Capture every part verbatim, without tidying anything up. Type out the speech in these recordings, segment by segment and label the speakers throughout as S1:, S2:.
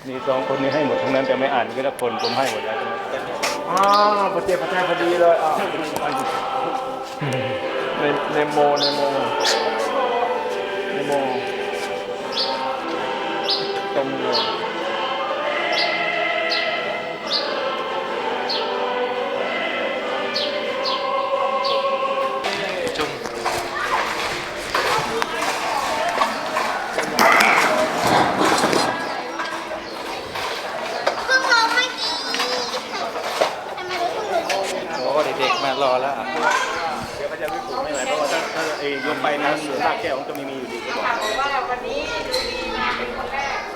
S1: มีสองคนนี้ให้หมดทั้งนั้นแต่ไม่อ่านก็ละคนผมให้หมดแล้ว
S2: อ๋อประเจ็บประแจพอดีเลยอ่ะในในโมในโมในโมตรงเลย
S3: เด็กๆมารอแล้ว
S1: เดี๋ยวเขาจะไม่ปลูกไม่ไหวเพราะว่าถ้าถ้าเอ้ยกไปนะรากแก้วมันก็ไม่มีอยู่ดีก็บอก
S4: ว่าวันนี้ดูดีมาเป็นคนแรก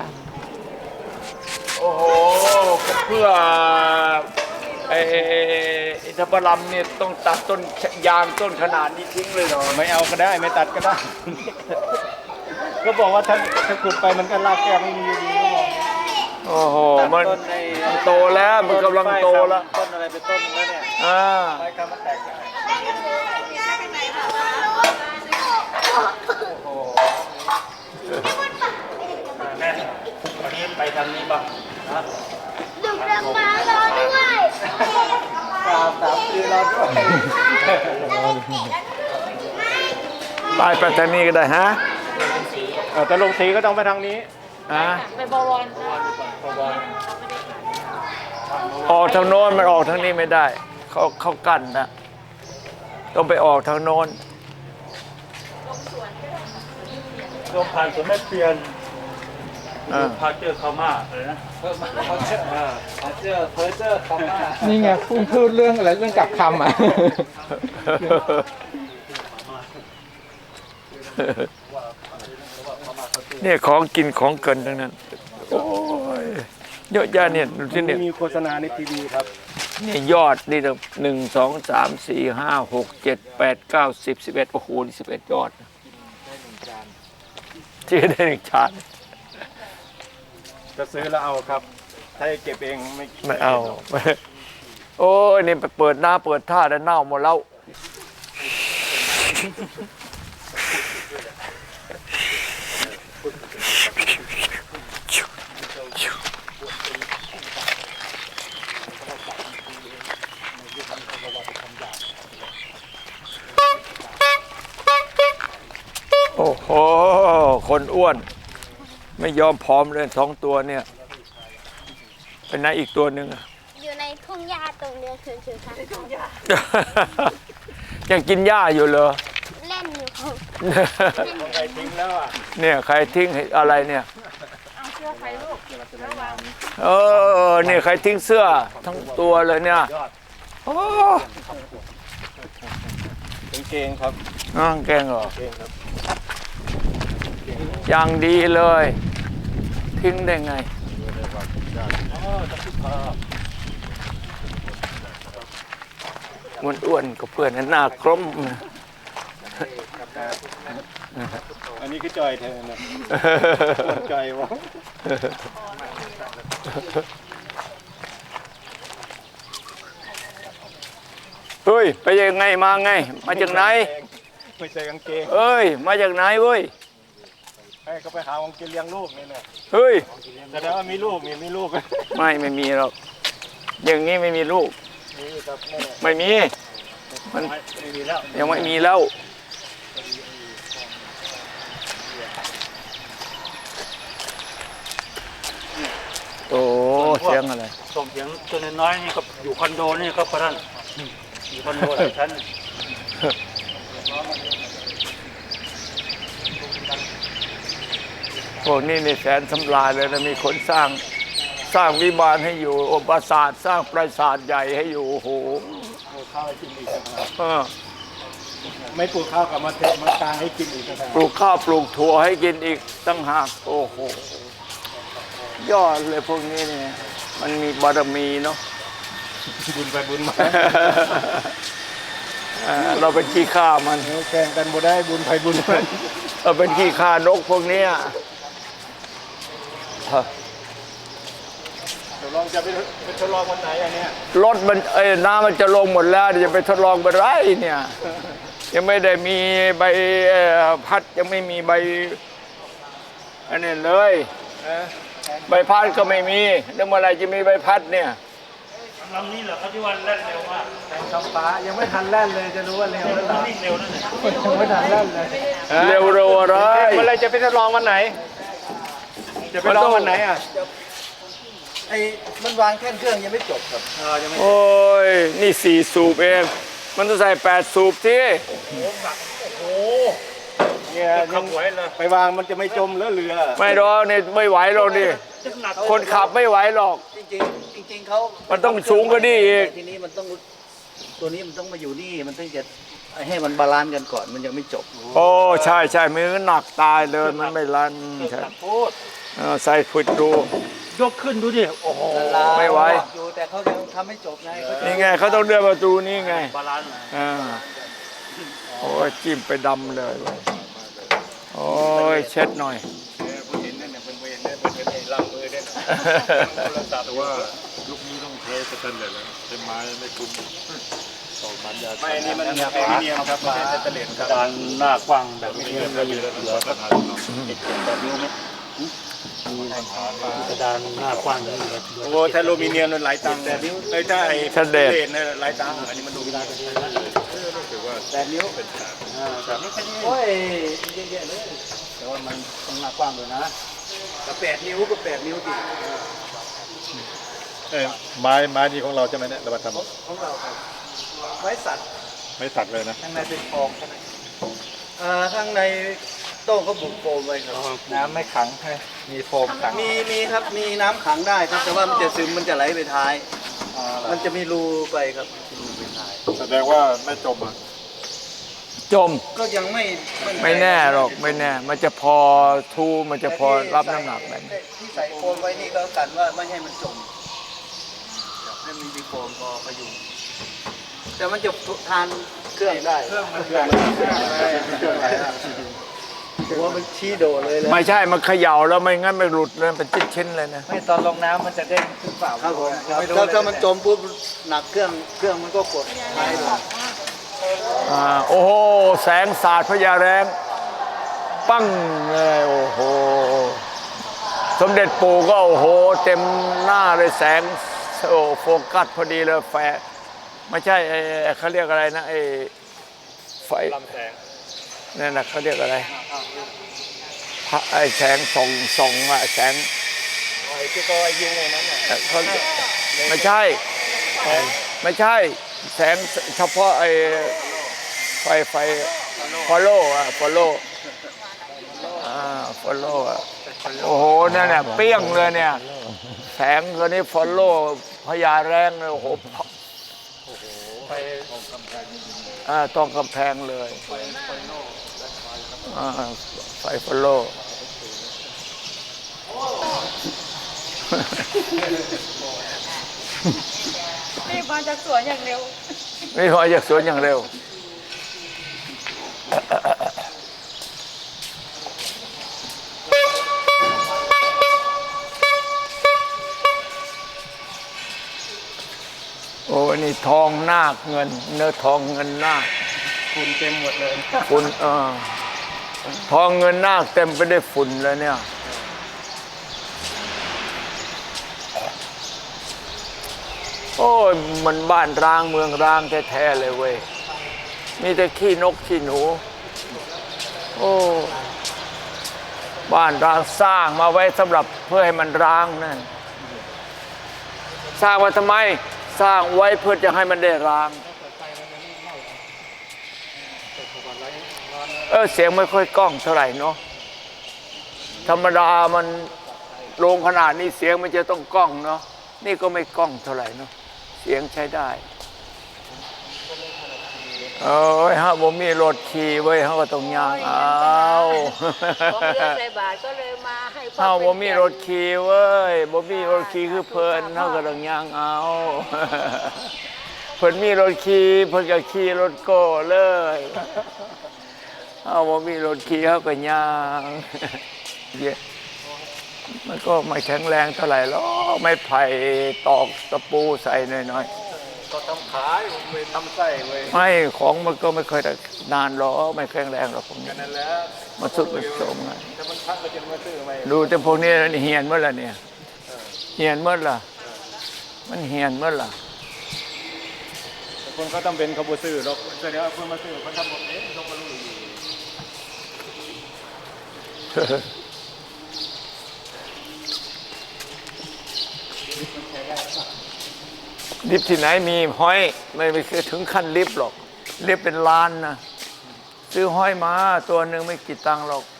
S2: โอ้โหเพื่อไอ้อินทผลัมเนี่ยต้องตัดต้นยางต้นขนาดนี้ทิ้งเลยเหรอ
S1: ไม่เอาก็ได้ไม่ตัดก็ได้ ก็บอกว่าถ้าถ้าขุดไปมันก็รากแก้วไม่มีอยู่ดีก็บอก
S2: โอ้โหมันโตแล้วมันกำลังโตแล้ว
S3: ต้นอะไรเป็นต้นแล้วเนี่ย
S2: อ่า
S1: ใบคำมันแตกได้โอ้โหแม่วันนี้ไปทางนี้ป่ะนะ
S4: ดึกดังมารอด้วย
S1: สามสามปีรอด้วย
S2: ไปไปทางนี้ก็ได้ฮะ
S1: เออแต่ลงสีก็ต้องไปทางนี้
S2: อ่า
S4: ไปบวร
S1: บวร
S2: ออกทางโน้นมันออกทางนี้ไม่ได้เขาเขากั้นนะต้องไปออกทางโน้น
S1: ลงผ่านสวนแม่เพียนพาเจอคาม่าอะไรนะ
S3: พาเจอพาเจอเพอเจอคำว่า
S5: นี่ไงพูดพูดเรื่องอะไรเรื่องกับคำอ่ะ
S2: เนี่ยของกินของเกินทั้งนั้นโอ้ยเยอะแยะเนี่ยดูที่เนี่ย
S1: มีโฆษณาในทีวีครับ
S2: นี่ยอดนี่หนึ่งสองสามสี่ห้าหกเจ็ดแปดเก้าสิบสิบเอ็ดโอ้โหนี่สิบเอ็ดยอดที่ได้หนึ่งจาน
S1: จะซื้อแล้วเอาครับถ้าเก็บเองไม่
S2: ไม่เอาโอ้ยนี่ไปเปิดหน้าเปิดท่าแล้วเน่าหมดแล้วโอ้โหคนอ้วนไม่ยอมผอมเลยสองตัวเนี่ยเป็นไหนอีกตัวหนึ่ง
S4: อยู่ในทุ่งหญ้าตรงเรือคือคือค่ะทุ่งหญ้า
S2: ยังกินหญ้าอยู่เหรอ
S4: เล่นอยู่
S1: ใครทิ้งแล้วอ่ะ
S2: เนี่ยใครทิ้งอะไรเนี่ย
S4: เอาเสื้อใครลูก
S2: เออเนี่ยใครทิ้งเสื้อทั้งตัวเลยเนี่ยโอ้
S1: เกงครับ
S2: อ่างเกงเหรออย่างดีเลยทิ้งได้ไงมันอ้วนกับเพื่อนหน้ากลม
S1: อันนี้คือจอยเธอนะจอยวะ
S2: เฮ้ยไปยังไงมาไงมาจากไหน
S1: ไม่ใช่กางเกง
S2: เอ้ยมาจากไหนเว้ย
S1: ให้เขาไปหากางเกงเลี้ยงลูกนี่แหละ
S2: เฮ้ย
S1: แสดงว่ามีลูกมีมีลูก
S2: ไม่ไม่มีหรอกอย่างนี้ไม่มีลูกไม่มีมันยังไม่มีแล้วโอ้เสียงอะไร
S1: ส่งเสียงตัวน้อยๆนี่ก็อยู่คอนโดนี่ก็พระท่านอยู่คอนโดหลายชั้น
S2: พวกนี้นี่แสนสำราญเลยนะมีคนสร้างสร้างวิมานให้อยู่ปราสาทสร้างปราสาทใหญ่ให้อยู่โอ้โห
S1: ปลูกข้าวให้กินอีกไม่ปลูกข้าวกับมาเทมาตางให้กินอีก
S2: ปลูกข้าวปลูกถั่วให้กินอีกตั้งหากโอ้โหยอดเลยพวกนี้เนี่ยมันมีบารมีเนาะ
S1: บุญไปบุญมา
S2: เราเป็นขี้ข้ามัน
S1: แข่งกันบ่ได้บุญไปบุญมัน
S2: เราเป็นขี้ข้านกพวกนี้
S1: ทดลองจะไปทดลองวันไหนอันเนี้ย
S2: รถมันเอ้น้ำมันจะลงหมดแล้วจะไปทดลองไปไรเนี่ยยังไม่ได้มีใบพัดยังไม่มีใบอันนี้เลยใบพัดก็ไม่มีแล้วเมื่อไหรจะมีใบพัดเนี่ย
S1: ลำนี้เหรอเขาที่วันแล่นเร็วมาก
S3: ท้องฟ้ายังไม่ทันแล่นเลยจะรู้ว่าเร็วแล้วเหรอ
S1: วิ่งเร็วนั่นแหละ
S3: ยังไม่ทันแล่นเลย
S2: เร็วเร็วอะไร
S3: เมื่อไรจะไปทดลองวันไหน จะไปลองวันไหนอ่ะ
S5: ไอ้มันวางแค่เครื่องยังไม่จบครับ
S3: เออยังไม่
S2: โอ้ยนี่สี่สูบเองมันต้องใส่แปดสูบที่
S5: เนี่ยยังไปวางมันจะไม่จมแล้วเรือ
S2: ไม่หรอกนี่ไม่ไหวหรอกดิคนขับไม่ไหวหรอก
S5: จริงๆจริงๆเขา
S2: มันต้องสูงกว่านี้อีก
S5: ทีนี้มันต้องตัวนี้มันต้องมาอยู่นี่มันต้องจะให้มันบาลานซ์กันก่อนมันยังไม่จบ
S2: โอ้ใช่ใช่มือหนักตายเลยมันไม่รันใช่เออใส่ฝึดดู
S1: ยกขึ้นดูดิโอ้โห
S2: ไม่ไหว
S5: อยู่แต่เขายังทำไม่จบไงเขาจะ
S2: นี่ไงเขาต้องเลื่อนประตูนี่ไง
S1: บาลานซ์
S2: อ่าโอ้ยจิ้มไปดำเลยโอ้ยเช็ดหน่อย
S6: แต่ว่าลูกนี้ต้องใช้สแตนเลสแล้วใช้ไม้ไม่คุ้มต่อมันยา
S1: ไม่นี่มันแอลูมิเนียมครับไม่ใช่สแตนเลสครับกระดานหน้ากว้างแบบนี้ไม่มีเหลือเหลือสักแบบนิ้วไหมกระดานหน้ากว้างนี่เหลือ
S5: โอ้ถ้าอลูมิเนียมมันหลายตังค์แต่นิ้วเอ้ยถ้าไอ้
S2: สแตนเลส
S5: เนี่ยหลายตังค์อันนี้มันอลูมิเนียม
S3: แปดนิ้วโอ้ยเยอะๆเลย
S5: แต่ว่ามันต้องหน้ากว้างเลยนะแต่แปดนิ้วก็แปดนิ้วดิ
S6: เอ้ยไม้ไม้นี่ของเราใช่ไหมเนี่ยเรามาท
S5: ของเราครับไม้สัตว์
S6: ำไม่สักเลยนะ
S5: ข้างในเป็นฟองใช่ไหมอ่าข้างในโต้งเขาบุกโฟมไว้ครับ
S3: น้ำไม่ขังใช่มีโฟมขัง
S5: มีมีครับมีน้ำขังได้ครับ แต่ว่ามันจะซึมมันจะไหลไปท้าย มันจะมีรูไปครับรูไปท้าย
S6: แสดงว่าไม่จมอ่ะ
S2: จม
S5: ก็ยังไม่
S2: ไม่แน่หรอกไม่แน่ มันจะพอทูมันจะพอรับน้ำหนักแบบนี้
S5: ที่ใส่โฟมไว้นี่ก็กันว่าไม่ให้มันจมให้มันมีโฟมพอพยุงแต่มันจะทานเครื่องได้เครื่องมันเครื่องผมว่ามันชี้โดดเลยเลย
S2: ไม่ใช่มันเขย่าแล้วไม่งั้นไม่หลุดเลยเป็นชิ้นๆเลยนะ
S3: ไม่ตอนลงน้ำมันจะเด้งขึ้นเปล่า
S5: ครับผมถ้าถ้ามันจมปุ๊บหนักเครื่องเครื่องมันก็กดท้ายเลย
S2: อ่าโอ้โหแสงสาดพญาแรงปั้งเลยโอ้โหสมเด็จปู่ก็โอ้โหเต็มหน้าเลยแสงโอ้โฟกัสพอดีเลยแฟไม่ใช่ไอ้เขาเรียกอะไรนะไอ้ไฟลำแสงนั่นนะเขาเรียกอะไรพระไอ้แสงส่องส่องอะแสง
S5: ที่ก็ยิงในนั้นน่ะ
S2: เขาไม่ใช่ไม่ใช่แสงเฉพาะไอ้ไฟไฟฟอลโล่อะฟอลโล่อ่าฟอลโล่อะโอ้โหนั่นน่ะเปี้ยงเลยเนี่ยแสงตัวนี้ฟอลโล่พญาแรงเลยโอ้โหอ่าต้องกำแพงเลยอ่าไฟฟอลโล่
S4: รีบมาจากสวนอย่างเร็ว
S2: ไม่พอจากสวนอย่างเร็ว โอ้นี่ทองนาคเงิน เนื้อทองเงินนาค
S1: ฝุ่นเต็มหมดเลย
S2: ฝุ่นเออทองเงินนาคเต็มไปด้วยฝุ่นเลยเนี่ยโอ้ยมันบ้านร้างเมืองร้างแท้ๆเลยเว้ยมีแต่ขี้นกขี้หนูโอ้บ้านร้างสร้างมาไว้สำหรับเพื่อให้มันร้างนั่นสร้างมาทำไมสร้างไว้เพื่อจะให้มันได้ร้างเออเสียงไม่ค่อยก้องเท่าไหร่เนาะธรรมดามันโรงขนาดนี้เสียงมันจะต้องก้องเนาะนี่ก็ไม่ก้องเท่าไหร่เนาะเสียงใช้ได้เอ้ยฮะผมมีรถขี่ไว้เขาก็ต้องย่างเอา
S4: ของเรือใส่บาทก็เลยมาให้พ่อ
S2: เฮาบ่มีรถขี่เว้ยบ่มีรถขี่คือเพิ่นเฮาก็ต้องย่างเอา เพิ่นมีรถขี่เพิ่นก็ขี่รถโก้เลยเฮาบ่มีรถขี่เฮาก็ย่าง มันก็ไม่แข็งแรงเท่าไหร่หรอกไม่ไผ่ตอกตะปูใส่หน่อย
S5: ก็ทำขายเว้ยทำไส้เว้ย
S2: ไม่ของมันก็ไม่เคยได้นานหรอกไม่แข็งแรงหรอกพวกนี้
S5: นั่นแหละ
S2: มันสุดมันโทรมไง
S5: ถ้ามันพักก็จะมาซื้อไหม
S2: ดูแต่พวกนี้เหียนเมื่อไรเนี่ยเหียนเมื่อไรมันเหียนเมื่อไร
S1: คนเขาต้องเป็นขบวนซื้อหรอกแต่เดี๋ยวคนมาซื้อเขาทำหมดเองต้องมารู้อยู่
S2: ลิฟต์ที่ไหนมีห้อยไม่ไปถึงขั้นลิฟต์หรอกลิฟต์เป็นล้านนะซื้อห้อยมาตัวหนึ่งไม่กี่ตังค์หรอก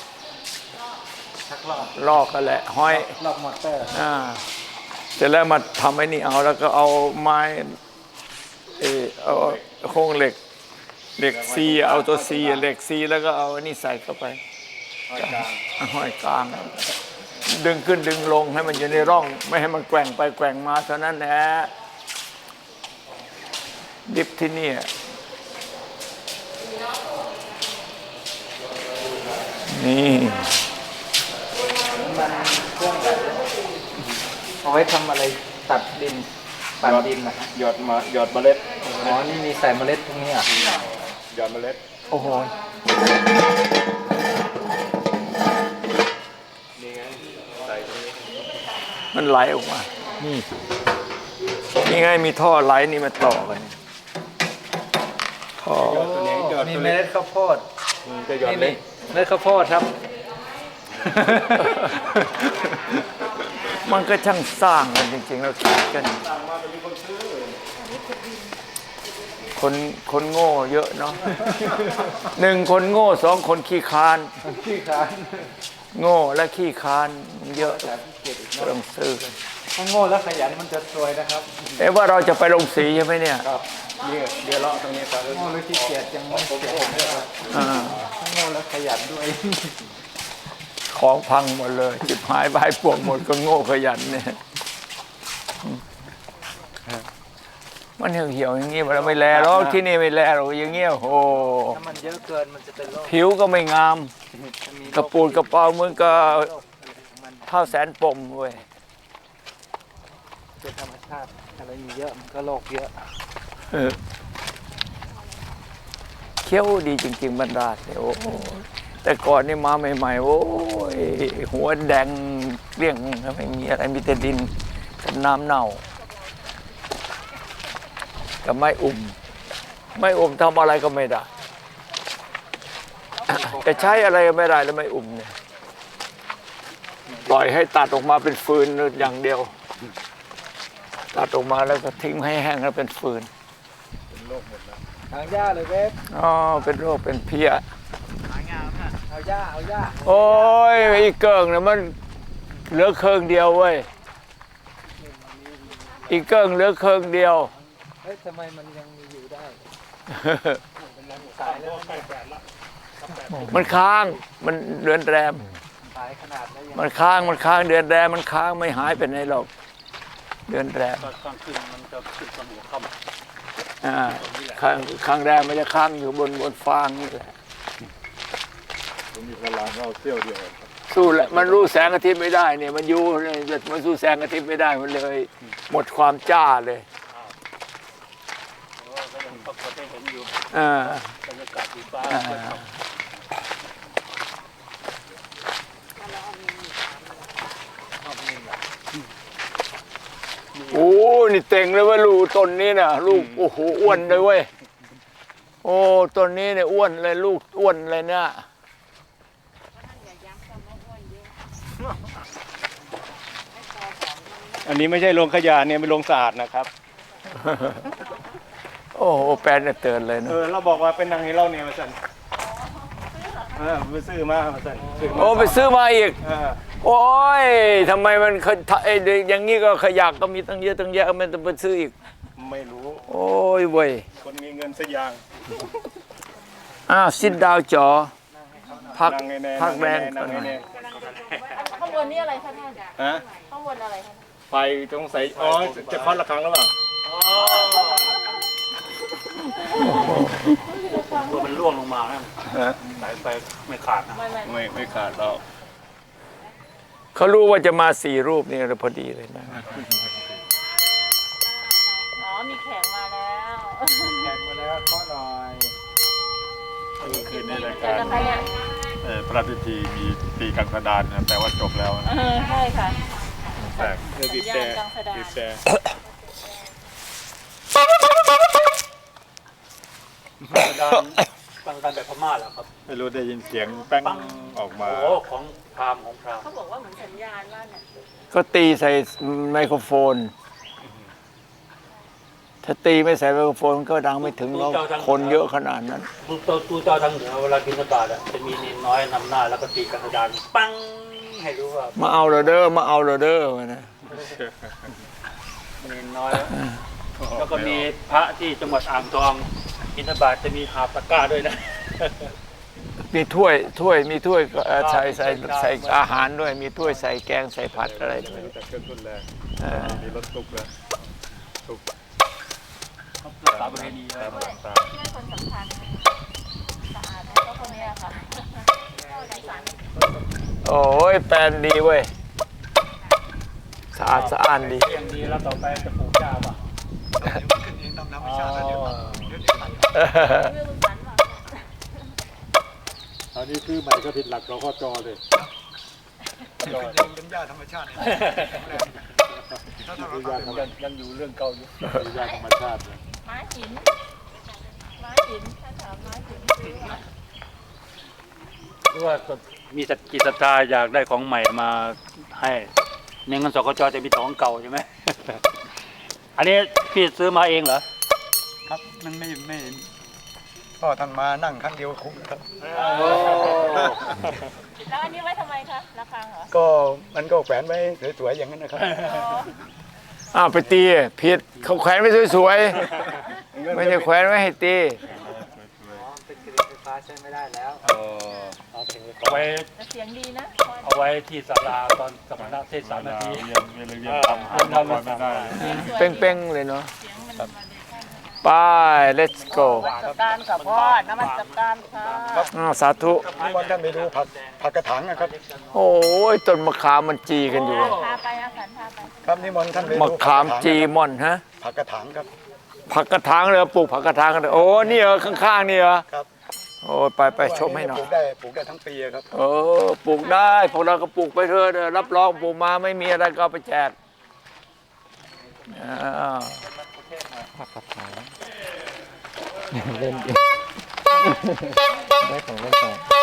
S2: ลอกกันแหละห้อย
S1: ลอกมอเตอร์
S2: อ่าเสร็จแล้วมาทำไอ้นี่เอาแล้วก็เอาไม้เออเอาโครงเหล็กเหล็กซีเอาตัวซีเหล็กซีแล้วก็เอาอันนี้ใส่เข้าไปห้อยกลางดึงขึ้นดึงลงให้มันอยู่ในร่อง ไม่ให้มันแกว่งไปแกว่งมาเท่านั้นแหละดิฟที่นี่นี่
S5: มันเครื่องแบบเอาไว้ทำอะไรตัดดินปั่นดินนะ
S1: หยอดมาหยอดเมล็ด
S5: อ๋อนี่มีใส่เมล็ดตรงนี้อ่ะ
S1: หยอดเมล็ด
S5: โอ้โห
S1: นี่ไงใส่ตรงนี้
S2: มันไหลออกมานี่นี่ไงมีท่อไหลนี่มาต่อกันท่อ
S1: หยอดตัวนี้หยอด
S5: มี
S1: ตัว
S5: เม
S1: นี้
S5: ล็ดข้าวโพด
S1: จะหยอด
S5: นี่
S1: เล็
S5: นี่
S1: ก
S5: เมล็ดข้าวโพดครับ
S2: มันก็ช่างสร้างกันจริงๆแล้วคิดกันคนคนโง่เยอะเนาะหนึ่งคนโง่สองคนขี้คาน
S5: ขี้ขาน
S2: โง่และขี้คานเยอะเริ่มซื้อกัน
S5: ถ้าโง่แล้วขยันมันจะรวยนะครับ
S2: เอ๊ะว่าเราจะไปลงสีใช่ไหมเนี่ย
S1: ครับนี่เดี๋ยวเลาะตรงนี้ไป
S5: โง่แล้วขี้เกียจยังไม่เกียจนะครับ
S2: อ่า
S5: ถ้าโง่แล้วขยันด้วย
S2: ของพังหมดเลยจิบหายบายป่วงหมดก็โง่ขยันเนี่ยมันเหี่ยวๆอย่างงี้เราไม่แลหรอกที่นี่ไม่แลหรอกอย่างเงี้ยโอ้
S5: ถ้ามันเยอะเกินมันจะเป็นโรค
S2: ผิวก็ไม่งาม
S5: จะมีโรค
S2: กระปูดกระเป๋าเหมือนกับ
S5: โรคอะไรของมัน
S2: ข้าวแสนปมเว้ย
S5: เป็นธรรมชาติอะไรมีเยอะมันก็โรคเยอะ
S2: เออเคี้ยวดีจริงๆบรรดาเนี่ยโอ้แต่ก่อนนี่มาใหม่ๆโอ้ยหัวแดงเกลี้ยงไม่มีอะไรมีแต่ดินกับน้ำเน่ากับไม้อุ่มไม้อุ่มทำอะไรก็ไม่ได้จะใช้อะไรก็ไม่ได้แล้วไม้อุ่มเนี่ยปล่อยให้ตัดออกมาเป็นฟืนอย่างเดียวตัดออกมาแล้วก็ทิ้งให้แห้งแล้วเป็นฟืน
S5: ทางหญ้าเลยเว็บ
S2: อ๋อเป็นโรคเป็นเพี้ย
S5: เอาหญ้าเอาหญ้า
S2: โอ้ยอีเกิงเนี่ยมันเหลือเครื่องเดียวเว้ยอีเกิงเหลือเครื่องเดียว
S5: เฮ้ยทำไมมันยังมีอยู่ได้ขายแล้วมันแปดละ
S2: มันค้างมันเดือนแรม
S5: ขายขนาดแล้วยัง
S2: มันค้างมันค้างเดือนแรมมันค้างไม่หายไปไหนหรอกเดือนแรม
S1: ตอนกลางคืนมันจะขึ้นตอนหัวค่ำ
S2: อ่าค้างค้างแรมมันจะค้างอยู่บนบนฟางนี่แหละ
S6: ผมมีพลังเอาเที่ยวเดียว
S2: สู้แหละมันรู้แสงอาทิตย์ไม่ได้เนี่ยมันอยู่เนี่ยมันสู้แสงอาทิตย์ไม่ได้มันเลย หมดความจ้าเลย
S1: ก็ยังปรากฏให้เห็นอยู่
S2: อ่า
S1: บรรยากาศสีฟ้า
S2: อ่า โอ้นี่เต่งเลยเว่าลูกต้นนี้น่ะลูกโอ้โหอ้วนเลยเว้ยโอ้ต้นนี้เนี่ยอ้วนเลยลูกอ้วนเลยเนี่ย
S1: อันนี้ไม่ใช่โรงขยะเนี่ยเป็นโรงสะอาดนะครับ
S2: โอ้โหแปลนเนี่ยเตือนเลย
S1: เอ
S2: นะ
S1: อเราบอกว่าเป็นนางให้เราเนี่ยมาสั่นเออไปซื้อมามาสั่นซื้อมา
S2: โอ้ไปซื้อมาอีก
S1: เออ
S2: โอ้ยทำไมมันเคยไอ้อย่างนี้ก็ขยะก็มีตั้งเยอะตั้งแยะมันจะไปซื้ออีก
S1: ไม่รู้
S2: โอ้ยเว้ย
S1: คนมีเงินสักอย่าง
S2: อ้าวซิดดาวจอพัก
S1: นั่งให้แน่
S2: พักแรง
S1: นั่
S2: ก่อง นห
S1: ให้
S2: น่อย
S1: แน่
S4: ข้างบนนี่อะไรคะท่าน
S1: ฮะ
S4: ข้างบนอะไรคะ
S1: ไฟต้องใส่อ๋อจะเคาะระฆังหรือเปล่า
S3: ตัวมันร่วงลงมานะ
S1: ฮะ
S3: สายไฟไม่ขาดนะ
S4: ไม่ไม่
S1: ไม่ไม่ขาดหรอก
S2: เขารู้ว่าจะมาสี่รูปนี่พอดีเลยนะ
S4: อ๋อมีแขกมาแล้ว
S1: แขกมาแล้วขอหน่อย
S6: เมื่อคืนในราย
S4: เจอ
S6: การ
S4: กันคะเนี่ย
S6: เอ่อพระราชพิธีมีตีกังสดานนะแต่ว่าจบแล้วนะ
S4: เออใช่ค่ะ
S6: แปลก
S1: เออบีบแต่
S4: สัญญาณกลางสดาน
S6: บีบแต่
S1: การฟังการแบบพม่าเหรอครับ
S6: ไม่รู้ได้ยินเสียงแป้งออกมา
S1: โอ้ของพราหมณ์ของพราหมณ์
S4: เขาบอกว่าเหมือนสัญญาณว่าเนี่ย
S2: ก็ตีใส่ไมโครโฟน ถ้าตีไม่ใส่ไมโครโฟนก็ดังไม่ถึงแล้วคนเยอะขนาดนั้น
S1: ตูเจ้าตูเจ้าทางเหนือเวลากินสบาทอ่ะจะมีเนนน้อยนำหน้าแล้วก็ตีกระดานปังให้รู้ว่า
S2: มาเอาเราเด้อมาเอาเราเด้อวะนะ
S1: เนนน้อย แล้วก็มีพระที่จังหวัดอ่างทองกินสบาทจะมีหาบตะกร้าด้วยนะ
S2: มีถ้วยถ้วยมีถ้วยก็เอ่อใส่ใส่ใส่อาหารด้วย มีถ้วยใส่แกงใส่ผัดอะไรด้วย
S6: แต่เครื่องทุนแรง
S2: เออ
S6: มีรถตุกแล้วตุก
S1: สาประเพณี
S6: ตามตาม
S4: ที่เป็นคนสำคัญสะอาดนะก็คนเนี้ยค่ะ
S2: โอ้ยแปลนดีเว้ยสะอาดสะอ้านดี
S1: เรียงดีแล้วต่อไปจะปลูกเจ้าป่ะ
S5: ขึ้นเองตามธรรมชาติแล้วเดี๋ยวเดี๋ยว
S4: เรื่องมันฝันหรอ
S6: อันนี้คือใหม่ก็ผิดหลักเราก็จอเลย
S5: ขึ้นเองเป็นหญ้าธรรมชาติเนี่ยถ้าทำเรา
S6: ยา
S5: ทำ
S6: ธรรม
S1: ยังยังอยู่เรื่องเก่าอยู่
S6: ยาธรรมชาติเลย
S4: ม้าหินม้าหินถ้าถามม้าหินคือว่า
S1: หรือว่ามีจิตศรัทธาอยากได้ของใหม่มาให้ในเงินสกจจะมีแต่ของเก่าใช่ไหม อันนี้พี่ซื้อมาเองเหรอ
S5: ครับมันไม่ไม่พ่อท่านมานั่งครั้งเดียวคุ้มครับ
S4: แล้วอันนี้ไว้ทำไมคะระฆังเหรอ
S5: ก็มันก็แขวนไว้สวยๆอย่างนั้นนะครับ
S4: อ๋อ
S2: อ้าวไปตีผิดเขาแขวนไว้สวยๆไม่ใช่แขวนไว้ให้ตี
S5: เป็นกระดิ่งไฟฟ้าใช้ไม่ได้แล้ว
S1: เอาไว้
S4: แต่เสียงดีนะ
S1: เอาไว้ที่ศาลาตอนสมณะเทศสามนาที
S6: เรียนเรียนเรียนทำทำทำไม่ได้
S2: เป้งๆเลยเนาะ
S4: เสียงมันมาเลยค่ะ
S2: ไป let's go
S4: นมัสการกับพ่อนมัสการค่ะ
S2: อ้าวสาธุ
S5: นิมนต์ท่านไปดูผักผักกระถางนะครับ
S2: โอ้ยต้นมะขามมันจีกันอยู่
S4: พาไปอาสันพาไป
S5: ครับนิมนต์ท่านไปดู
S2: มะขามจีม่อนฮะ
S5: ผักกระถางครับ
S2: ผักกระถางเลยปลูกผักกระถางกันเลยโอ้นี่เหรอข้างๆนี่เหรอ
S5: ครับ
S2: โอ้ไปไปชมให้หน่อ
S5: ป
S2: ย
S5: ลูกได้ปลูกได้ทั้งปีอะครับ
S2: เออปลูกได้พวกเราก็ปลูกไปเถอะเด้อรับรองปลูกมาไม่มีอะไรก็เอาไปแจกอ่าเล่นได้ของเล่นไป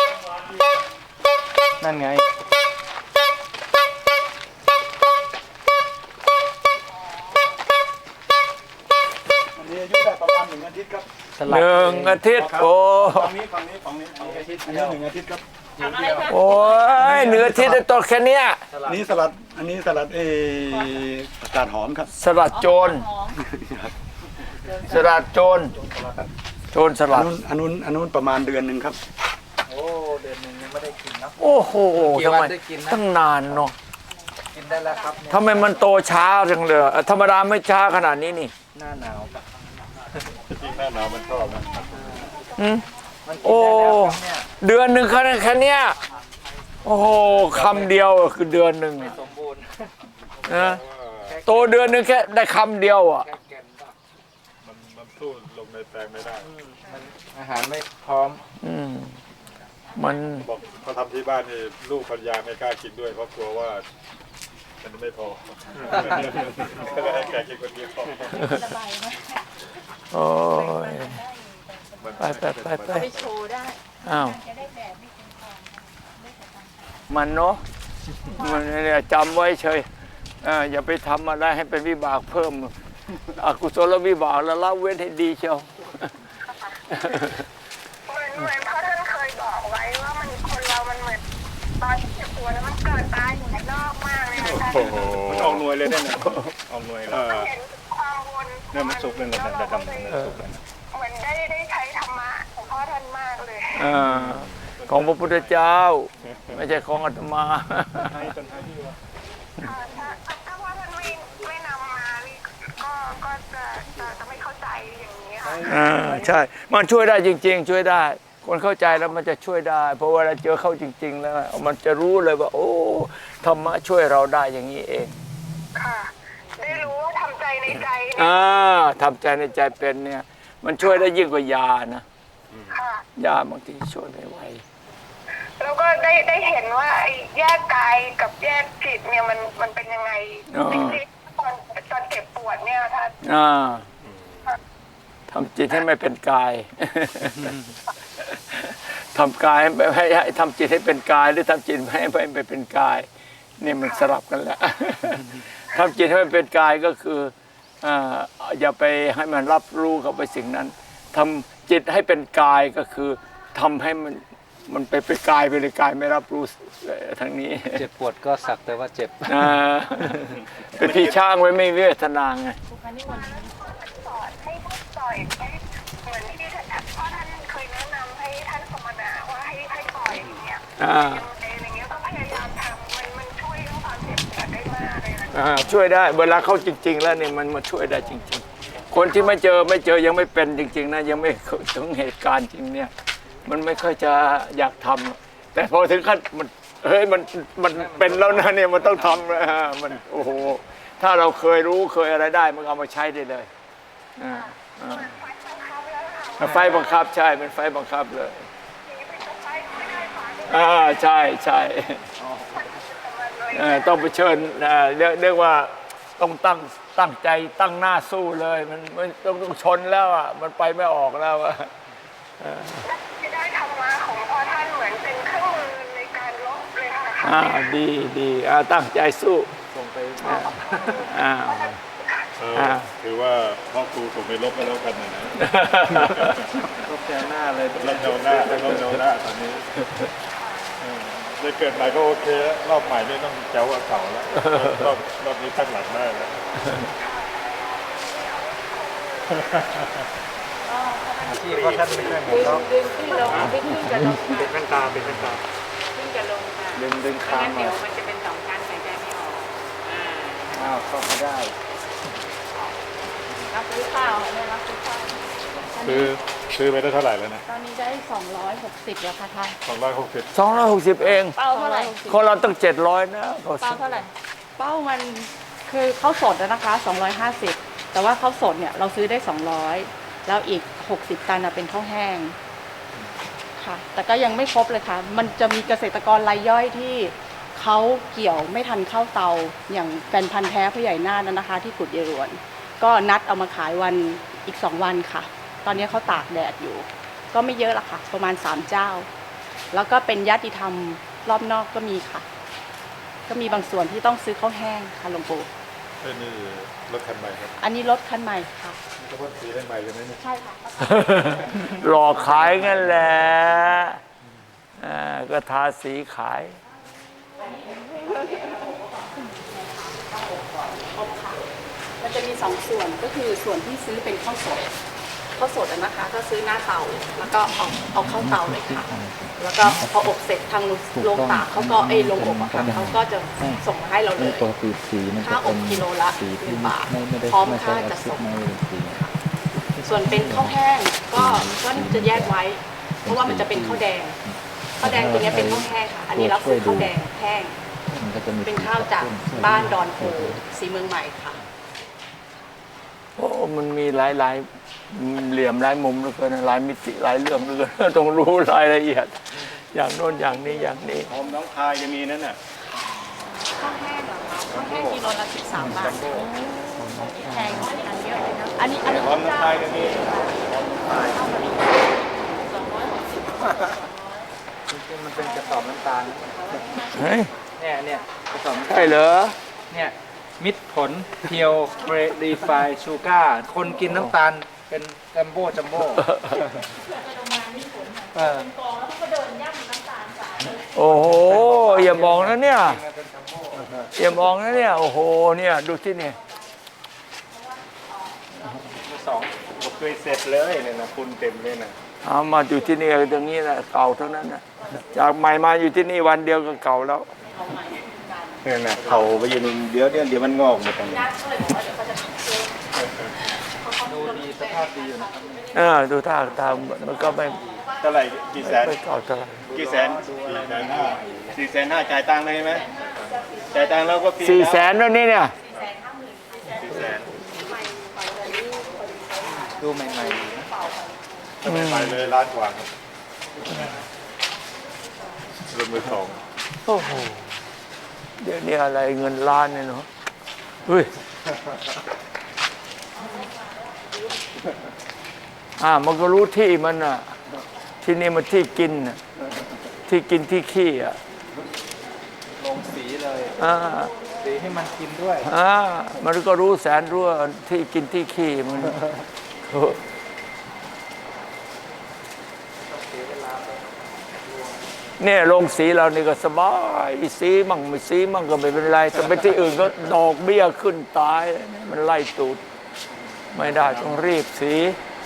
S1: นั่นไง
S5: อันนี้อายุได้ประมาณหนึ่งอาทิตย์ครับ
S2: หนึ่งอาทิตย์โอ้
S5: ฝั่งนี้ฝั่งนี้ฝั่งนี้ฝั่งนี้อาทิตย์อันนี้หนึ่งอาทิตย์ครับ
S4: ทำอะไรคะ
S2: โอ้ยเหนืออาทิตย์ได้ต้นแค่เนี้ย
S5: อันนี้สลัดอันนี้สลัดเออผักกาดหอมครับ
S2: สลัดโจร
S4: หอม
S2: สลัดโจรโจรส
S5: อั
S2: ลั
S5: น
S2: ด
S5: นู้นอันนู้นอันนู้นประมาณเดือนหนึ่งครับ
S1: โอ้เดือนหนึ่งยังไม่ได้กินนะ
S2: โอ้โหทำไมตั้งนานเนาะ
S1: กินได้แล้วครับ
S2: ทำไมมันโตช้าจังเลยเอ่อธรรมดาไม่ช้าขนาดนี้นี่
S1: หน้าหนาวครับ
S6: จริงๆหน้าหนาวมันชอบนะ
S2: อืมโอ้เดือนหนึ่งแค่นั้นแค่เนี้ยโอ้โหคำเดียวคือเดือนหนึ่ง
S1: สมบูรณ์
S2: นะโตเดือนหนึ่งแค่ได้คำเดียวอ่ะ
S6: มันมันสู้ลงในแปลงไม่ได้
S1: อาหารไม่พร้อม
S2: อืมมัน
S6: บอกเขาทำที่บ้านนี่ลูกภรรยาไม่กล้ากินด้วยเพราะกลัวว่ามันไม่พอก็เลยให้แกกินคนเดียวพอ
S4: ระบายนะ
S2: โอ้ยไปไปไปไป
S4: ไปโชว์ได้
S2: อ้าว
S4: จะได้แบบไม่เป็นของ
S2: มันเนาะมันเนี่ยจำไว้เฉยอ่าอย่าไปทำอะไรให้เป็นวิบากเพิ่มอกุศลวิบากแล้วละเว้นให้ดีเชียว
S7: เหมือนเหมือนพ่อท่านเคยบอกไว้ว่ามันคนเรามันเหมือนตอนที่เจ็บปวดแล้วมันเกิดตายอยู่ในนอกมากเลยนะท่าน
S6: โอ้โห
S1: มันออกหน่วยเลยเนี่ยนะออกหน่วยแล้ว
S7: เห็นความวน
S1: เนี่ยมันสุกเลยนะดำดำเนี่ยสุกเลยนะ
S7: เหมือนได้ได้ใช้ธรรมะของพ่อท่านมากเลย
S2: อ่าของพระพุทธเจ้า ไม่ใช่ของอาตมา
S1: ให้ต้นไม้ที่ว่า
S7: เอ่อถ้าถ้าพ่อท่านไม่ไม่นำมานี่ก็ก็จะจะจะไม่เข้าใจอย่างนี้ค่ะ
S2: อ่าใช่ มันช่วยได้จริง ๆ ช่วยได้ คนเข้าใจแล้วมันจะช่วยได้ เพราะเวลาเจอเข้าจริง ๆ แล้ว มันจะรู้เลยว่า โอ้ธรรมะช่วยเราได้อย่างนี้เอง
S7: ค่ะ ได้รู้ว่าทำใจในใจเนี่ย
S2: อ่าทำใจในใจเป็นเนี่ย มันช่วยได้ยิ่งกว่ายานะ
S7: ค่ะ
S2: ยาบางทีช่วยไม่ไหว
S7: แล้วก็ได้ได้เห็นว่าไอ้แยกกายกับแยกจิตเนี่ยมันมันเป็นยังไง
S2: อ๋อ
S7: จริงๆตอนตอนเจ็บปวดเนี่ยท่าน
S2: อ่าทำจิตให้ไม่เป็นกาย ทำกายให้ให้ให้ทำจิตให้เป็นกายหรือทำจิตให้ไม่ไม่เป็นกายนี่มันสลับกันแหละ ทำจิตให้มันเป็นกายก็คืออ่าอย่าไปให้มันรับรู้กับไปสิ่งนั้นทำจิตให้เป็นกายก็คือทำให้มันมันไปเป็นกายไปเลยกายไม่รับรู้ทางนี้
S5: เจ็บปวดก็สักแต่ว่าเจ็บ
S2: อ่าเป็นพี่ช่างไว้ไม่เวทนาไง
S7: สอนให้ปล่อยให้เหมือนที่ท่านพ่อท่านเคยแนะนำให้ท่านสมณะว่าให้ให้ปล่อยอย่างเงี้ย
S2: อ่า
S7: อะไรอย่างเงี้ยก็พยายามทำมันมันช่วยเรื่องความเจ็บปวดได้มากเลยนะ
S2: อ่าช่วยได้เวลาเข้าจริง ๆ แล้วเนี่ยมันมาช่วยได้จริง ๆ คนที่ไม่เจอไม่เจอยังไม่เป็นจริง ๆนะยังไม่ถึงเหตุการณ์จริงเนี่ย มันไม่ค่อยจะอยากทำแต่พอถึงขั้นมันเฮ้ยมันมันเป็นแล้วนะเนี่ยมันต้องทำนะฮะมันโอ้โหถ้าเราเคยรู้เคยอะไรได้มันเอามาใช้ได้เลยอ่าอ่า
S7: ไฟบังคับแล้วค่ะ
S2: ไฟบังคับใช่เป็นไฟบังคับเลย
S7: อย่างนี้เป็นไฟไม่ได้ฝาไม่ได้
S2: อ่าใช่ใช่
S7: แต่มันเลย
S2: เอ่อต้องไปเชิญอ่าเรียกเรียกว่าต้องตั้งตั้งใจตั้งหน้าสู้เลยมันมันต้องต้องชนแล้วอ่ะมันไปไม่ออกแล้วอ่ะ
S7: ที่ได้ธรรมะของพ่อท่านเหมือนเป็นเครื่องมือในการลบเลยค่ะ
S2: อ่าดีดีอ่าตั้งใจสู้
S5: ส่งไป
S2: อ่า
S6: เออ
S2: อ่า
S6: ถือว่าพ่อครูส่งไปลบไปแล้วกันนะนะ
S5: ลบแกหน้าเลย
S6: ลบแนวหน้าลบแนวหน้าตอนนี้เออได้เกิดใหม่ก็โอเคแล้วรอบใหม่ไม่ต้องแจ๋วกว่าเก่าแล้วรอบรอบนี้ตั้งหลักได้แล้ว
S5: ที่พ่อท่านไม่ได้หม
S4: ดึ
S5: ด
S4: ง
S5: แล้ว
S4: ดึงขึ้นลงไม่ขึ้นกับลงค่ะ
S5: เป็นขั้นตาเป็นขั้นตา
S4: ขึ้นกับลงค่ะ
S5: ดึงดึง
S4: ไม่
S5: ค้าง
S4: งั้น
S5: มา
S4: เดี๋ยวมันจะเป็นสองชั้นหายใจไม่ออกอ่า
S5: อ้าวเข้ามาได้
S4: รับซื้อข้าวเนี่ยรับซื้อข้าว
S6: ซื้อซื้อไปได้เท่าไหร่แล้วนะ
S4: ตอนนี้ได้สองร้อยหกสิบแล้วค่ะท่าน
S6: สองร้อยหกสิบ
S2: สองร้อยหกสิบเอง
S4: เป้าเท่าไหร่
S2: คนเราต้องเจ็ดร้อยนะ
S4: เป้าเท่าไหร่ เป้ามันคือข้าวสดอะนะคะสองร้อยห้าสิบแต่ว่าข้าวสดเนี่ยเราซื้อได้สองร้อยแล้วอีกหกสิบตันอะเป็นข้าวแห้งค่ะ แต่ก็ยังไม่ครบเลยค่ะ มันจะมีเกษตรกรรายย่อยที่เขาเกี่ยวไม่ทันเข้าเตาอย่างแฟนพันธ์แท้ผู้ใหญ่นาฏนะคะ ที่กุดเยรวน ก็นัดเอามาขายวันอีกสองวันค่ะ ตอนนี้เขาตากแดดอยู่ ก็ไม่เยอะละค่ะ ประมาณสามเจ้า แล้วก็เป็นญาติธรรมรอบนอกก็มีค่ะ ก็มีบางส่วนที่ต้องซื้อข้าวแห้งค่ะหลวงปู่
S6: เอ้ยนี่รถคันใหม่ครับ
S4: อันนี้รถคันใหม่ค่ะ
S6: นี่ก็พ่นสีให้ใหม่ใช่ไหมเนี่ย
S4: ใช่ค่ะ
S2: หลอกขายงั้นแหละอ่าก็ทาสีขาย
S4: มันจะมีสองส่วนก็คือส่วนที่ซื้อเป็นข้าวสดข้าวสดอะนะคะ ก็ซื้อหน้าเตาแล้วก็เอาเอาเข้าเตาเลยค่ะ แล้วก็พออบเสร็จทางโรงตากเขาก็ไอ้โรงอบอะค่ะเขาก็จะส่งมาให้เราเลย
S8: ปกติสีมันจะ
S4: ค่าอ
S8: เป็
S4: บ
S8: น
S4: กิโลละ
S8: สี
S4: ห
S8: ที่
S4: นึ่งบาท
S8: ไม่ไม่ได้
S4: พร้อม
S8: ไม่ใช่
S4: ค่า
S8: แอ
S4: จัด
S8: ซิด
S4: ส่ง
S8: ไม่เป็นสี
S4: ส่วนเป็นข้าวแห้งก็ก็จะแยกไว้ เพราะว่ามันจะเป็นข้าวแดงข้าวแดงตัวเนี้ยเป็นข้าวแห้งค่ะ อันนี้เราซื้อข้าวแดงแห้ง
S8: มันก็จะมี
S4: เป็นข้าวจากบ้านดอนโพสีเมืองใหม่ค่ะ
S2: โอ้มันมีหลายหลายเหลี่ยมหลายมุมเหลือเกินหลายมิติหลายเรื่องเหลือเกิน ต้องรู้รายละเอียด อย่างโน้นอย่างนี้อย่างนี้
S3: หอมน้องพายจะมีนั่นน่ะ
S4: ข้าวแห้งเหรอคะข้าวแห้งกิโลละสิบสามบาทแพงอันเยอะเลยนะอันนี้อันนี้
S3: หอมน้องพายจะมี
S4: สองร้อยหกสิบ
S5: มันเป็นกระสอบน้ำตาล
S2: เฮ้ย
S5: เนี่ยเนี่ยกระสอบ
S2: ใช่เหรอ
S5: เนี่ยมิตรผลเพียวรีไฟชูการ์คนกินน้ำตาลเป็นจัมโบ้จัมโบ้เออ
S2: โอ้โหอย่ามองนะเนี่ยอย่ามองนะเนี่ยโอ้โหเนี่ยดูที่นี่
S3: สองผมเคยเสร็จเลยเนี่ยนะคุณเต็มเลยนะ
S2: เอามาอยู่ที่นี่ตรงนี้แหละเก่าทั้งนั้นนะจากใหม่มาอยู่ที่นี่วันเดียวก็เก่าแล้ว
S3: เนี่ยนะเขาไปยืนเดี๋ยวเดี๋ยวเดี๋ยวมันงอกหมดกัน
S5: ดูดีสภาพดีอยู่นะครับ
S2: เออดูท่าทางมันก็ไม่
S3: เท่าไหร่กี่แสน
S2: ไม่เก่าเท่าไหร่
S3: กี่แสนสี่แสนห้าสี่แสนห้าจ่ายตังค์เลยใช่ไหมจ่ายตังค์แล้วก็ฟรี
S2: สี่แสนแล้วนี่เนี่ย
S3: สี่แสน
S5: ดูใหม่ๆอยู่นะ
S6: ถ้าไม่ไปเลยล้านกว่าครับรถมือสอง
S2: โอ้โหเดี๋ยวนี้อะไรเงินล้านเนี่ยเนาะเฮ้ยอ่ามันก็รู้ที่มันอ่ะที่นี่มันที่กินน่ะที่กินที่ขี้อ่ะ
S5: ลงสีเลย
S2: อ่า
S5: สีให้มันกินด้วย
S2: อ่ามันก็รู้แสนรู้ว่าที่กินที่ขี้มันเนี่ยลงสีเรานี่ก็สบายสีมั่งไม่สีมั่งก็ไม่เป็นไรแต่ไปที่อื่นก็ดอกเบี้ยขึ้นตายมันไล่ตูดไม่ได้ต้องรีบสี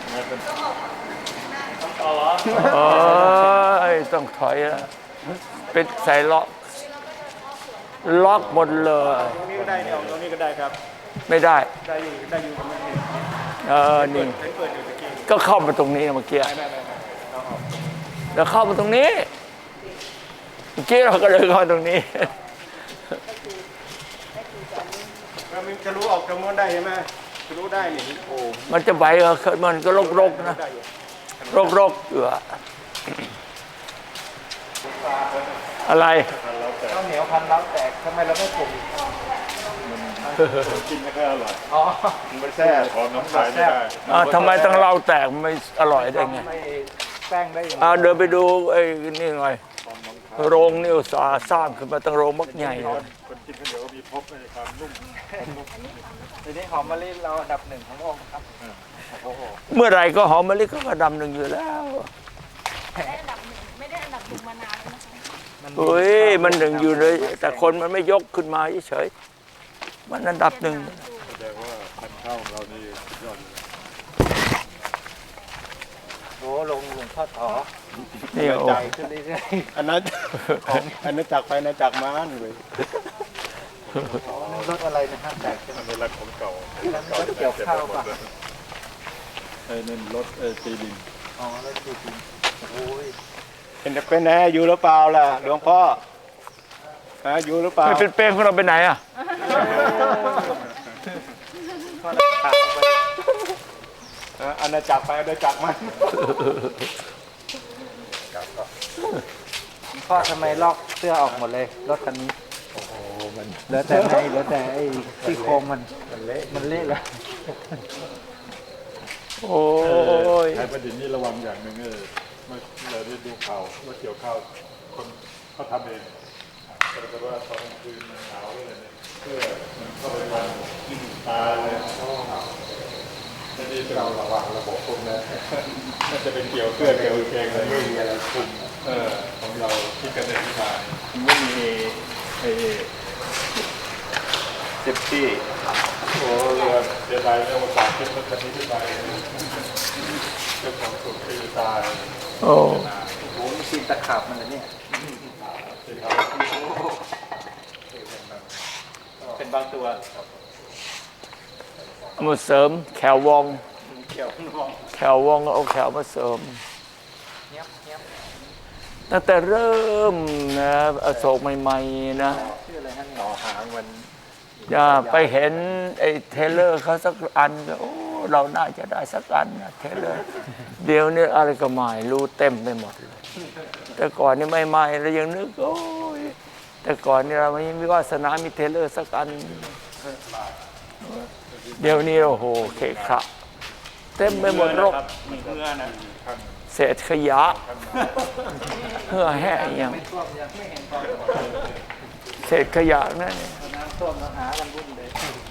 S2: เอ้ยต้องถอยแล้วปิดใส่ล็อกล็อกหมดเลย
S6: ตรงนี้ก็ได้เนี่ยตรงนี้ก็ได้ครับ
S2: ไม่ได้
S6: ได้อยู่ได้อยู่ตรงนี้
S2: เออนี่
S6: เปิดอยู่ตะกี้
S2: ก็เข้ามาตรงนี้เมื่อกี้
S6: ไม่ไม่ไม่เราออก
S2: แล้วเข้ามาตรงนี้เมื่อกี้เราก็เลยเข้าตรงนี้
S6: แล้วมันจะรู้ออกจำนวนได้ใช่ไหมจะรู้ได้นี่โอ้
S2: มันจะไหวเหรอมันก็รกๆนะ
S6: ได้อยู่
S2: รกๆอยู่อะอะไร
S5: ข้าวเหนียวพันล้าวแตกทำไมเราไม่ปลูก
S6: กินไม่ค่อยอร่อย
S5: อ๋อ
S6: มันไม่แซ่บของน้ำตาลไม่ได้
S2: อ่าทำไมต้องเราแตกไม่อร่อยได้ไง
S5: ไม่แป้งได้อย่าง
S2: อ่าเดินไปดูไอ้นี่หน่อยโรงนี่อุตสาห์สร้างขึ้นมาตั้งโรงมักใหญ่เลย
S6: คนกินข้าวเหนียวก็มีพบในความนุ่ม
S5: ทีนี้หอมมะลิเราอันดับหนึ่งของโลกครับโอ้โห
S2: เมื่อไหรก็หอมมะลิก็กระดำหนึ่งอยู่แล้ว
S4: ได้อันดับหนึ่งไม่ได้อันดับหนึ่งมานานแล้วนะคะ
S2: เฮ้ยมันหนึ่งอยู่เลย แต่คนมันไม่ยกขึ้นมาเฉยๆมันอันดับหนึ่ง
S6: แสดงว่าพันธุ์ข้าวของเรานี่ยอดเลย
S5: โอ้ลงหลวงพ่อต่อ
S2: นี่โอ้
S5: ใหญ่ขึ้นเรื่อย
S6: อันนั้นอันนั้นจากไปนะจากม้านเลย
S5: ๆรถอะไรนะครับแตกขึ้น
S6: อันนี้รักของเก่า
S5: แล้วรถเกี่ยวข้าวป่ะ
S6: ไอ้นั่นรถเออตีดิน
S5: อ๋อรถดีจริงโอ้ย
S6: เป็นเป็นไงอยู่หรือเปล่าล่ะหลวงพ่อฮะอยู่หรือเปล่า
S2: ไม่เป็นเป้งของเราไปไหนอ่ะ
S5: พ่อเราขาดไป
S6: ฮะอาณาจักรไปอาณาจักรมัน
S5: พ่อทำไมลอกเสื้อออกหมดเลยรถคันนี้โอ้โหมันเหลือแต่ในเหลือแต่ไอ้ที่โครงมันมันเละมันเละเลย
S2: โอ้ย
S6: ไทยประดิษฐ์นี่ระวังอย่างหนึ่งเออเมื่อเราได้ดูข่าวว่าเกี่ยวข้าวคนเขาทำเองแต่ว่าตอนกลางคืนมันหนาวเลยเนี่ยเพื่อมันเข้าไปวันกินตาเลยจะดีเราระวังระบบพวกนั้นน่าจะเป็นเกี่ยวเสื้อเกี่ยวกางเกงอะไรไม่มีอะไรคุมเออของเราคิดกันเองที่มาไม่มีไอ้เซฟตี้โอ้เรือเสียดายเรื่องภาษาคิดรถคันนี้ขึ้นไปเจ้าของสุดคือตาย
S2: โอ้
S5: โอ้โหมีซีนตะขาบมันเลยเนี่ยเป็นบางตัว
S2: เอามาเสริมแขววอง
S5: เกี่ยวงวง
S2: แขววองเอาแขวมาเสริม
S5: เนี้ยบเนี้ยบ
S2: ตั้งแต่เริ่มนะอโศกใหม่ๆนะ
S5: ชื่ออะไรฮะเนี่ย
S6: ต่อหางมัน
S2: อย่าไปเห็นไอ้เทเลอร์เขาสักอันก็โอ้เราน่าจะได้สักอันนะเทเลอร์เดี๋ยวนี้อะไรก็ไม่รู้เต็มไปหมดเลยแต่ก่อนนี่ไม่ไม่เรายังนึกโอ้ยแต่ก่อนนี่เราไม่มีวาสนามีเทเลอร์สักอัน เดี๋ยวนี้โอ้โหเคขะเต็มไปหมดรก
S6: มันเพื่อนะ
S2: เศษขยะเพื่อแห้งอย่าง
S5: ไม่ท่วมยังไม่เห็นตอน
S2: เศษขยะนั่น
S5: น้ำท่วมแล้วหากันวุ่นเลย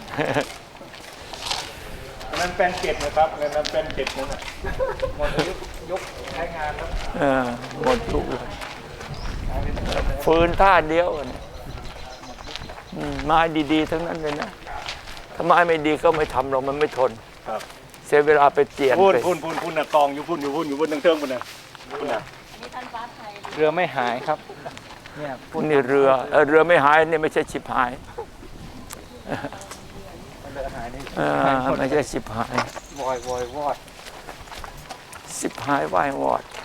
S6: อันนั้นเป็นเกล็ดนะครับอันนั้นเป็นเกล็ดนั่นน่ะ
S5: หมดยุคยุคใช้งานแล้ว
S2: เออหมดทุกเลยฟืนท่าเดียวกันอืมไม้ดีๆทั้งนั้นเลยนะถ้าไม้ไม่ดีก็ไม่ทำหรอกมันไม่ทน
S6: ครับ
S2: เสียเวลาไปเจียน
S6: พุ่น
S2: ไป
S6: พุ่นพุ่นพุ่นน่ะกองอยู่พุ่นอยู่พุ่นอยู่พุ่นทั้งเทิงพุ่นน่ะพุ่นน่ะ
S4: นี่ท่านฟ้าไทย
S5: เรือไม่หายครับเนี่ยพูด
S2: นี่เรือเออเรือไม่หายนี่ไม่ใช่ชิบหาย
S5: เรือหายนี่
S2: เออไม่ใช่ชิบหาย
S5: วอยวอยวอด
S2: ชิบหายวายวอด